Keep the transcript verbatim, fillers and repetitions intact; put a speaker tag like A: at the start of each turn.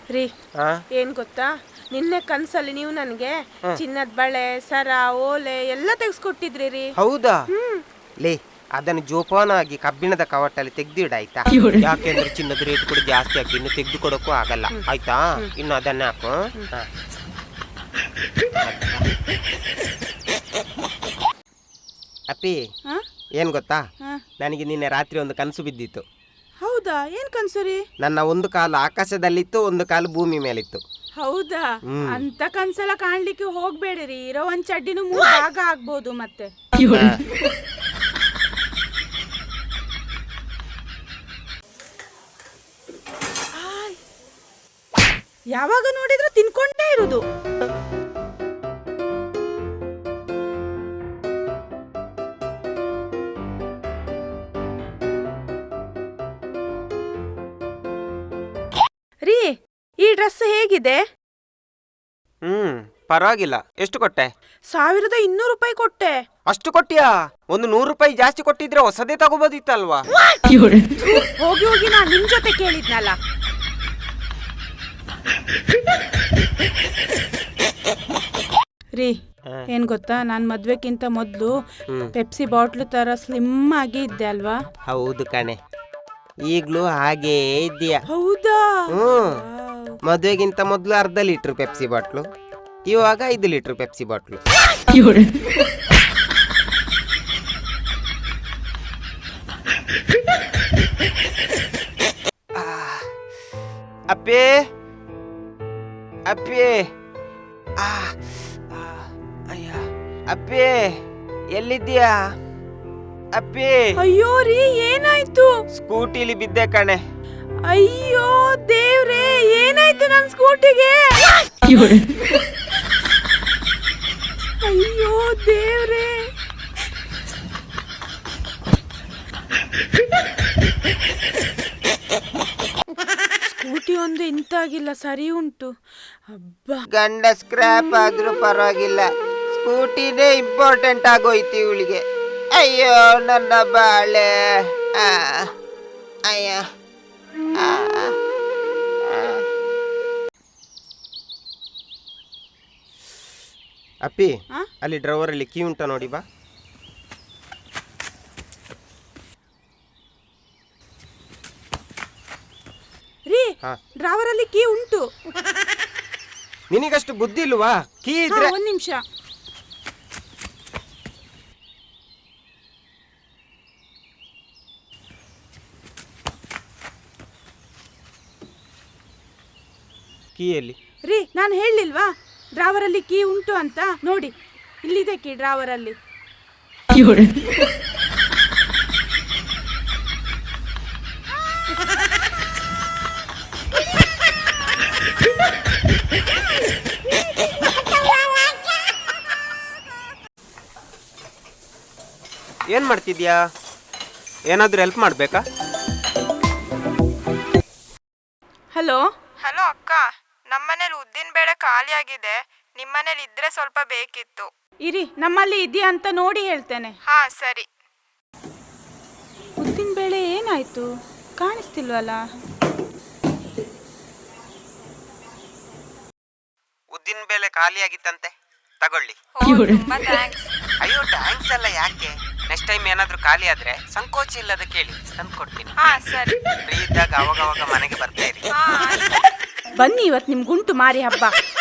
A: ರೀ ಏನ್ ಗೊತ್ತಾ, ನಿನ್ನೆ ಕನ್ಸಲ್ಲಿ ನೀವು ನನಗೆ ಚಿನ್ನದ ಬಳೆ, ಸರ, ಓಲೆ ಎಲ್ಲ ತೆಗೆಸ್ಕೊಟ್ಟಿದ್ರಿ ರೀ.
B: ಹೌದಾ? ಲೇ, ಅದನ್ನು ಜೋಪಾನಾಗಿ ಕಬ್ಬಿಣದ ಕವಟಲ್ಲಿ ತೆಗ್ದಿಡಾಯ್ತಾ? ಯಾಕೆಂದ್ರೆ ಚಿನ್ನದ ರೇಟ್ ಕೂಡ ಜಾಸ್ತಿ ಆಗಿ ಇನ್ನು ತೆಗೆದು ಕೊಡೋಕ್ಕೂ ಆಗಲ್ಲ ಆಯ್ತಾ. ಇನ್ನು ಅದನ್ನ ಹಾಕು. ಅಪ್ಪಿ, ಏನ್ ಗೊತ್ತಾ, ನನಗೆ ನಿನ್ನೆ ರಾತ್ರಿ ಒಂದು ಕನಸು ಬಿದ್ದಿತ್ತು.
A: ಹೌದಾ? ಏನ್ ಕನ್ಸು ರೀ?
B: ನನ್ನ ಒಂದು ಕಾಲು ಆಕಾಶದಲ್ಲಿತ್ತು, ಒಂದು ಕಾಲು ಭೂಮಿ ಮೇಲಿತ್ತು.
A: ಹೌದಾ? ಅಂತ ಕನ್ಸೆಲ್ಲ ಕಾಣ್ಲಿಕ್ಕೆ ಹೋಗ್ಬೇಡಿರಿ. ಇರೋ ಒಂದ್ ಚಡ್ಡಿನೂ ಮೂರು ಭಾಗ ಆಗ್ಬೋದು ಮತ್ತೆ. ಯಾವಾಗ ನೋಡಿದ್ರು ತಿನ್ಕೊಂಡೇ ಇರುದು. ರೀ, ಈ ಡ್ರೆಸ್ ಹೇಗಿದೆ?
B: ಹ್ಮ್ ಪರವಾಗಿಲ್ಲ. ಎಷ್ಟು ಕೊಟ್ಟೆ?
A: ಸಾವಿರದ ಇನ್ನೂರು ರೂಪಾಯಿ ಕೊಟ್ಟೆ.
B: ಅಷ್ಟು ಕೊಟ್ಟಿಯಾ? ಒಂದು ನೂರು ರೂಪಾಯಿ ಜಾಸ್ತಿ ಕೊಟ್ಟಿದ್ರೆ ಹೊಸದೇ ತಗೋಬೋದಿತ್ತಲ್ವಾ?
A: ಹೋಗಿ ಹೋಗಿ ನಾ ನಿಮ್ ಜೊತೆ ಕೇಳಿದ್ನಲ್ಲ. ರೀ, ಏನ್ ಗೊತ್ತಾ, ನಾನ್ ಮದ್ವೆಕ್ಕಿಂತ ಮೊದ್ಲು ಪೆಪ್ಸಿ ಬಾಟ್ಲು ತರ ಸ್ಲಿಮ್ ಆಗಿ ಇದ್ದೆ ಅಲ್ವಾ?
B: ಹೌದು ಕಣೆ, ಈಗ್ಲೂ ಹಾಗೇ ಇದೆಯಾ?
A: ಹೌದಾ?
B: ಹ್ಮ್. ಮದುವೆಗಿಂತ ಮೊದಲು ಅರ್ಧ ಲೀಟರ್ ಪೆಪ್ಸಿ ಬಾಟ್ಲು, ಇವಾಗ ಐದು ಲೀಟರ್ ಪೆಪ್ಸಿ ಬಾಟ್ಲು. ಅಪ್ಪೇ ಅಪ್ಪೇ ಆ ಅಯ್ಯ ಅಪ್ಪೇ, ಎಲ್ಲಿದ್ದೀಯಾ ಅಪ್ಪೇ?
A: ಅಯ್ಯೋ ರೀ, ಏನಾಯ್ತು?
B: ಸ್ಕೂಟಿಲಿ ಬಿದ್ದೆ ಕಣೆ.
A: ಅಯ್ಯೋ ದೇವ್ರೇ, ಏನಾಯ್ತು ನನ್ ಸ್ಕೂಟಿಗೆ? ಅಯ್ಯೋ ದೇವ್ರೇ. ಸ್ಕೂಟಿ ಒಂದು ಇಂತಾಗಿಲ್ಲ, ಸರಿ ಉಂಟು. ಹಬ್ಬ,
B: ಗಂಡ ಸ್ಕ್ರಾಪ್ ಆದ್ರೂ ಪರವಾಗಿಲ್ಲ, ಸ್ಕೂಟಿನೇ ಇಂಪಾರ್ಟೆಂಟ್ ಆಗೋಯ್ತು ಇವಳಿಗೆ. ಅಯ್ಯೋ ನನ್ನ ಬಾಳೆ. ಆ ಅಯ್ಯ ಆ ಅಪ್ಪಿ, ಅಲ್ಲಿ ಡ್ರೈವರ್ ಅಲ್ಲಿ ಕೀ ಉಂಟಾ ನೋಡಿ ಬಾ.
A: ರೀ, ಡ್ರೈವರ್ ಅಲ್ಲಿ ಕೀ ಉಂಟು.
B: ನಿನಗಷ್ಟು ಬುದ್ಧಿ ಇಲ್ವಾ? ಕೀ ಇದ್ರೆ
A: ಒಂದ್ ನಿಮಿಷ.
B: ಕೀಯಲ್ಲಿ
A: ರೀ, ನಾನು ಹೇಳಿಲ್ವಾ ಡ್ರೈವರ್ ಅಲ್ಲಿ ಕೀ ಉಂಟು ಅಂತ? ನೋಡಿ, ಇಲ್ಲಿದೆ ಕೀ ಡ್ರೈವರ್ ಅಲ್ಲಿ.
B: ಏನ್ ಮಾಡ್ತಿದ್ಯಾ? ಏನಾದ್ರೂ ಹೆಲ್ಪ್ ಮಾಡ್ಬೇಕಾ?
A: ಹಲೋ
C: ಹಲೋ ಅಕ್ಕ, ನಮ್ಮನೇಲಿ ಉದ್ದಿನ ಬೇಳೆ ಖಾಲಿ ಆಗಿದೆ, ನಿಮ್ಮನೇಲಿ ಇದ್ರೆ ಸ್ವಲ್ಪ ಬೇಕಿತ್ತು.
A: ಇರಿ, ನಮ್ಮಲ್ಲಿ ಇದೆಯಾ ಅಂತ ನೋಡಿ ಹೇಳ್ತೇನೆ.
C: ಹಾ ಸರಿ.
A: ಉದ್ದಿನ ಬೇಳೆ ಏನಾಯ್ತು? ಕಾಣಿಸ್ತಿಲ್ವಲ್ಲ.
B: ಉದ್ದಿನ ಬೇಳೆ ಖಾಲಿ ಆಗಿತ್ತಂತೆ, ತಗೊಳ್ಳಿ.
C: ತುಂಬಾ ಥ್ಯಾಂಕ್ಸ್.
B: ಅಯ್ಯೋ ಥ್ಯಾಂಕ್ಸ್ ಅಲ್ಲ, ಯಾಕೆ? ನೆಕ್ಸ್ಟ್ ಟೈಮ್ ಏನಾದ್ರೂ ಖಾಲಿ ಆದ್ರೆ ಸಂಕೋಚ ಇಲ್ಲದ ಕೇಳಿ, ತಂದು ಕೊಡ್ತೀನಿ.
C: ಹಾ ಸರಿ.
B: ಫ್ರೀ ಇದ್ದಾಗ ಅವಾಗ ಅವಾಗ ಮನೆಗೆ ಬರ್ತಾ ಇರಿ.
A: ಬನ್ನಿ, ಇವತ್ತು ನಿಮ್ಗುಂಟು ಮಾರಿ ಹಬ್ಬ.